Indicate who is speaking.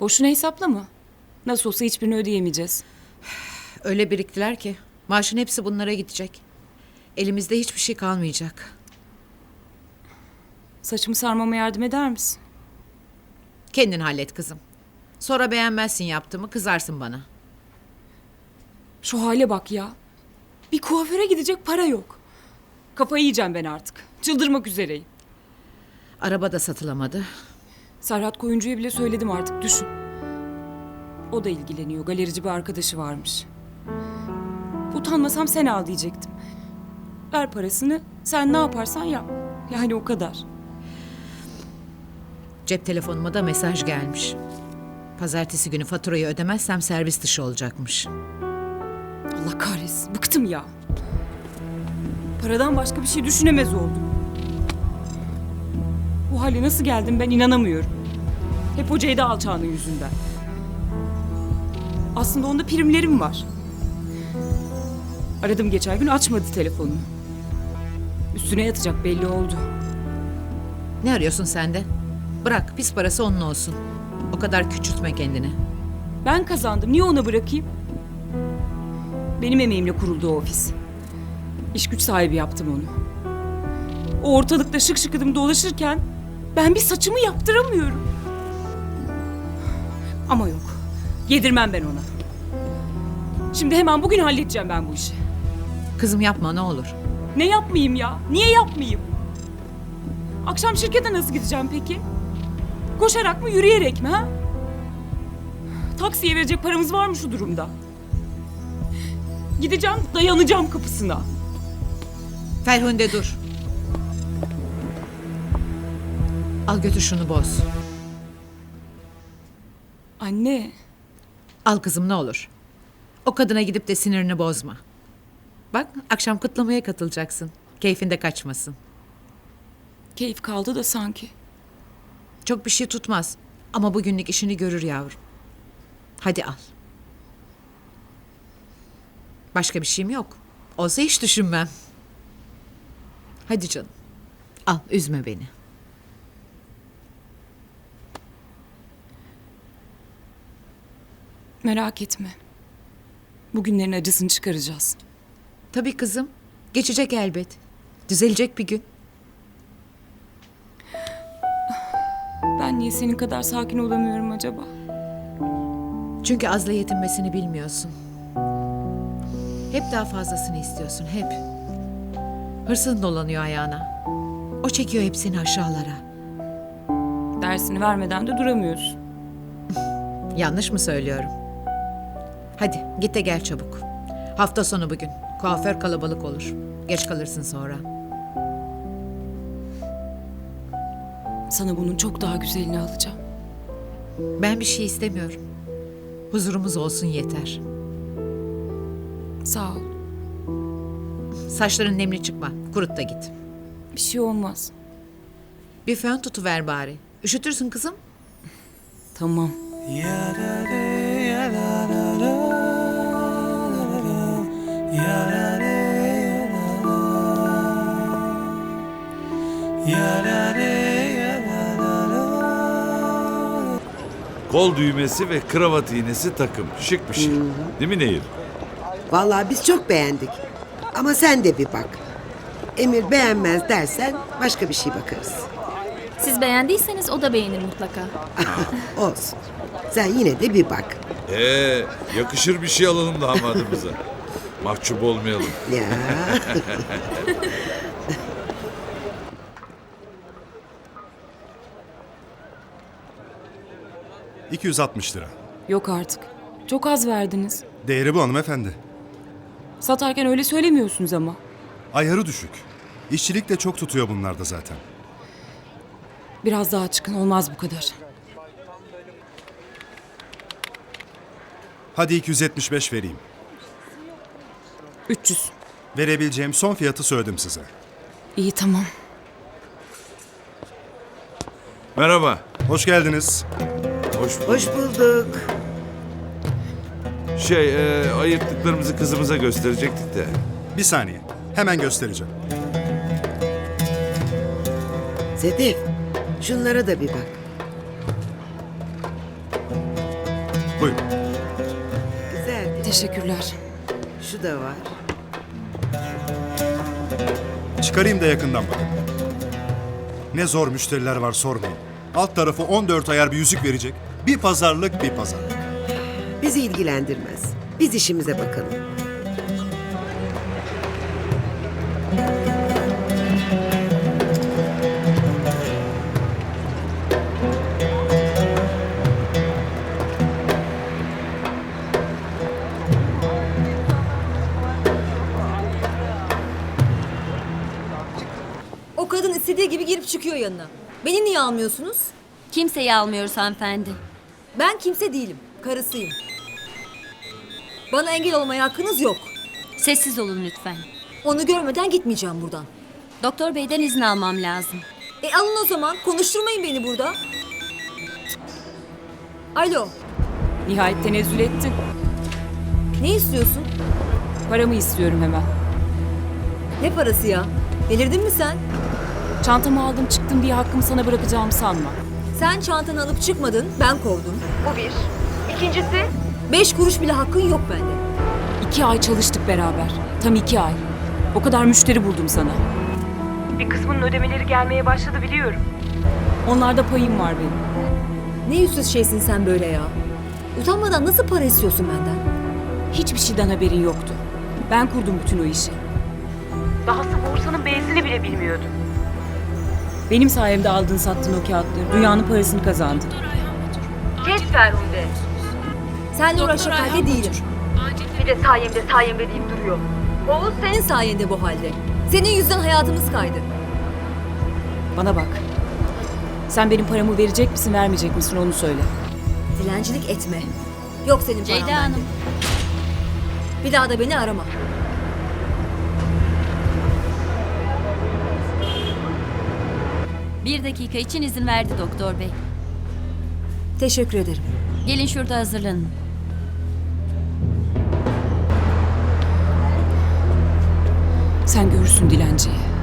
Speaker 1: Boşuna hesaplama. Nasıl olsa hiçbirini ödeyemeyeceğiz.
Speaker 2: Öyle biriktiler ki maaşın hepsi bunlara gidecek. Elimizde hiçbir şey kalmayacak.
Speaker 1: Saçımı sarmama yardım eder misin?
Speaker 2: Kendin hallet kızım. Sonra beğenmezsin yaptığımı, kızarsın bana.
Speaker 1: Şu hale bak ya. Bir kuaföre gidecek para yok. Kafayı yiyeceğim ben artık. Çıldırmak üzereyim.
Speaker 2: Araba da satılamadı.
Speaker 1: Serhat Koyuncu'ya bile söyledim artık, düşün. O da ilgileniyor. Galerici bir arkadaşı varmış. Utanmasam sen al diyecektim. Ver parasını, sen ne yaparsan yap. Yani o kadar.
Speaker 2: Cep telefonuma da mesaj gelmiş. Pazartesi günü faturayı ödemezsem servis dışı olacakmış.
Speaker 1: Allah kahretsin, bıktım ya. Paradan başka bir şey düşünemez oldum. Bu hale nasıl geldim ben inanamıyorum. Hep o Ceyda alçağının yüzünden. Aslında onda primlerim var. Aradım geçen gün, açmadı telefonunu. Üstüne yatacak belli oldu.
Speaker 2: Ne arıyorsun sen de? Bırak, pis parası onun olsun. O kadar küçültme kendini.
Speaker 1: Ben kazandım, niye ona bırakayım? Benim emeğimle kuruldu o ofis. İş güç sahibi yaptım onu. O ortalıkta şık şıkıdım dolaşırken ben bir saçımı yaptıramıyorum. Ama yok, yedirmem ben ona. Şimdi hemen bugün halledeceğim ben bu işi.
Speaker 2: Kızım yapma ne olur.
Speaker 1: Ne yapmayayım ya? Niye yapmayayım? Akşam şirkete nasıl gideceğim peki? Koşarak mı, yürüyerek mi ha? Taksiye verecek paramız var mı şu durumda? Gideceğim, dayanacağım kapısına.
Speaker 2: Ferhunde dur. Al götür şunu boz.
Speaker 1: Anne,
Speaker 2: Al kızım ne olur. O kadına gidip de sinirini bozma. Bak akşam kutlamaya katılacaksın. Keyfinde kaçmasın.
Speaker 1: keyif kaldı da sanki.
Speaker 2: Çok bir şey tutmaz. Ama bugünlük işini görür yavrum. Hadi al. Başka bir şeyim yok. Olsa hiç düşünmem. Hadi canım. Al üzme beni.
Speaker 1: Merak etme. Bugünlerin acısını çıkaracağız.
Speaker 2: Tabii kızım. Geçecek elbet. Düzelecek bir gün.
Speaker 1: Ben niye senin kadar sakin olamıyorum acaba?
Speaker 2: Çünkü azla yetinmesini bilmiyorsun. Hep daha fazlasını istiyorsun, hep. Hırsın dolanıyor ayağına. O çekiyor hepsini aşağılara.
Speaker 1: Dersini vermeden de duramıyorsun.
Speaker 2: Yanlış mı söylüyorum? Hadi git de gel çabuk. Hafta sonu bugün. Kuaför kalabalık olur. Geç kalırsın sonra.
Speaker 1: Sana bunun çok daha güzelini alacağım.
Speaker 2: Ben bir şey istemiyorum. Huzurumuz olsun yeter.
Speaker 1: Sağ ol.
Speaker 2: Saçların nemli çıkma. Kurut da git.
Speaker 1: Bir şey olmaz.
Speaker 2: Bir fön tutuver bari. Üşütürsün kızım.
Speaker 1: Tamam.
Speaker 3: Kol düğmesi ve kravat iğnesi takım. Şık bir şey. Değil mi Nehir?
Speaker 4: Vallahi biz çok beğendik. Ama sen de bir bak. Emir beğenmez dersen başka bir şey bakarız.
Speaker 5: Siz beğendiyseniz o da beğenir mutlaka.
Speaker 4: Olsun. Sen yine de bir bak.
Speaker 3: Yakışır bir şey alalım damadımıza. Mahcup olmayalım.
Speaker 4: Ya.
Speaker 6: 260 lira.
Speaker 1: Yok artık. Çok az verdiniz.
Speaker 6: Değeri bu hanımefendi.
Speaker 1: Satarken öyle söylemiyorsunuz ama.
Speaker 6: Ayarı düşük. İşçilik de çok tutuyor bunlarda zaten.
Speaker 1: Biraz daha çıkın, olmaz bu kadar.
Speaker 6: Hadi 275 vereyim.
Speaker 1: 300.
Speaker 6: Verebileceğim son fiyatı söyledim size.
Speaker 1: İyi, tamam.
Speaker 3: Merhaba.
Speaker 6: Hoş geldiniz.
Speaker 3: Hoş bulduk.
Speaker 4: Hoş bulduk.
Speaker 3: Ayırttıklarımızı kızımıza gösterecektik de.
Speaker 6: Bir saniye. Hemen göstereceğim.
Speaker 4: Sedef, şunlara da bir bak.
Speaker 1: Teşekkürler.
Speaker 4: Şu da var.
Speaker 6: Çıkarayım da yakından bakın. Ne zor müşteriler var sormayın. Alt tarafı 14 ayar bir yüzük verecek. Bir pazarlık bir pazarlık.
Speaker 4: Bizi ilgilendirmez. Biz işimize bakalım.
Speaker 7: O kadın istediği gibi girip çıkıyor yanına. Beni niye almıyorsunuz?
Speaker 5: Kimseyi almıyoruz hanımefendi.
Speaker 7: Ben kimse değilim. Karısıyım. Bana engel olmaya hakkınız yok.
Speaker 5: Sessiz olun lütfen.
Speaker 7: Onu görmeden gitmeyeceğim buradan.
Speaker 5: Doktor beyden izin almam lazım.
Speaker 7: Alın o zaman. Konuşturmayın beni burada. Alo.
Speaker 1: Nihayet tenezzül ettin.
Speaker 7: Ne istiyorsun?
Speaker 1: Paramı istiyorum hemen.
Speaker 7: Ne parası ya? Delirdin mi sen?
Speaker 1: Çantamı aldım çıktım diye hakkımı sana bırakacağımı sanma.
Speaker 7: Sen çantanı alıp çıkmadın. Ben kovdum. Bu bir. İkincisi? 5 kuruş bile hakkın yok bende.
Speaker 1: 2 ay çalıştık beraber. Tam 2 ay. O kadar müşteri buldum sana. Bir kısmının ödemeleri gelmeye başladı biliyorum. Onlarda payım var benim.
Speaker 7: Ne yüzsüz şeysin sen böyle ya. Utanmadan nasıl para istiyorsun benden?
Speaker 1: Hiçbir şeyden haberin yoktu. Ben kurdum bütün o işi. Dahası borsanın B'sini bile bilmiyordum. Benim sayemde aldın sattın o kağıtları. Dünyanın parasını kazandın.
Speaker 7: Kes Ferhunde. Seninle uğraşacak halde değilim. Bir de sayemde deyip duruyor. Oğuz senin sayende bu halde. Senin yüzünden hayatımız kaydı.
Speaker 1: Bana bak. Sen benim paramı verecek misin vermeyecek misin onu söyle.
Speaker 7: Dilencilik etme. Yok senin paran
Speaker 5: Ceyda
Speaker 7: bende.
Speaker 5: Hanım.
Speaker 7: Bir daha da beni arama.
Speaker 5: Bir dakika için izin verdi doktor bey.
Speaker 7: Teşekkür ederim.
Speaker 5: Gelin şurada hazırlanın.
Speaker 1: Sen görürsün dilenciyi.